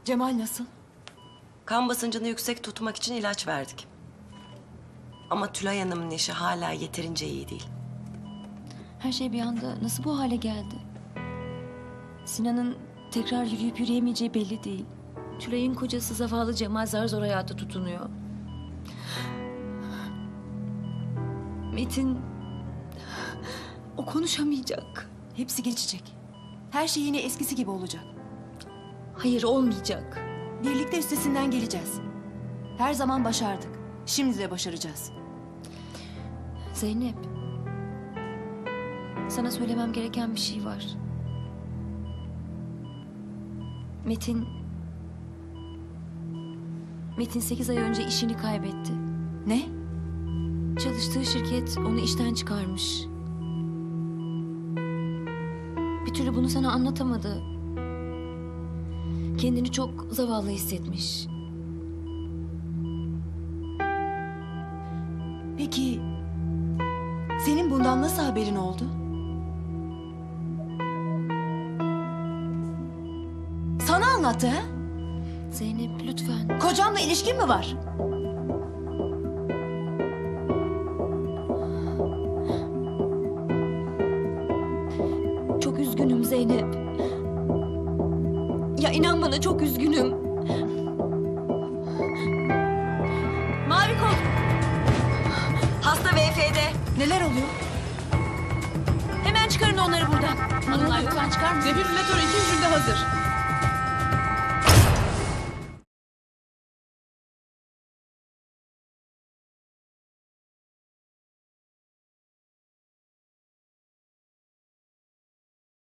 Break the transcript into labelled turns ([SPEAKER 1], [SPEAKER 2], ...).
[SPEAKER 1] Cemal nasıl?
[SPEAKER 2] Kan basıncını yüksek tutmak için ilaç verdik. Ama Tülay Hanım'ın eşi hala yeterince iyi değil.
[SPEAKER 3] Her şey bir anda nasıl bu hale geldi? Sinan'ın tekrar yürüyüp yürüyemeyeceği belli değil. Tülay'ın kocası zavallı Cemal zar zor hayata tutunuyor. Metin... O konuşamayacak.
[SPEAKER 1] Hepsi geçecek. Her şey yine eskisi gibi olacak.
[SPEAKER 3] Hayır, olmayacak.
[SPEAKER 1] Birlikte üstesinden geleceğiz. Her zaman başardık. Şimdi de başaracağız.
[SPEAKER 3] Zeynep. Sana söylemem gereken bir şey var. Metin 8 ay önce işini kaybetti.
[SPEAKER 1] Ne?
[SPEAKER 3] Çalıştığı şirket onu işten çıkarmış. Bir türlü bunu sana anlatamadı. Kendini çok zavallı hissetmiş.
[SPEAKER 1] Peki senin bundan nasıl haberin oldu? Sana anlattı ha?
[SPEAKER 3] Zeynep lütfen.
[SPEAKER 1] Kocamla ilişkin mi var?
[SPEAKER 3] Çok üzgünüm Zeynep. Ya inan bana, çok üzgünüm.
[SPEAKER 1] Mavi kol.
[SPEAKER 2] Hasta VF'de.
[SPEAKER 1] Neler oluyor?
[SPEAKER 3] Hemen çıkarın onları buradan. Hanımlar lütfen çıkar mısınız?
[SPEAKER 4] Defibrilatör 2 jülde hazır.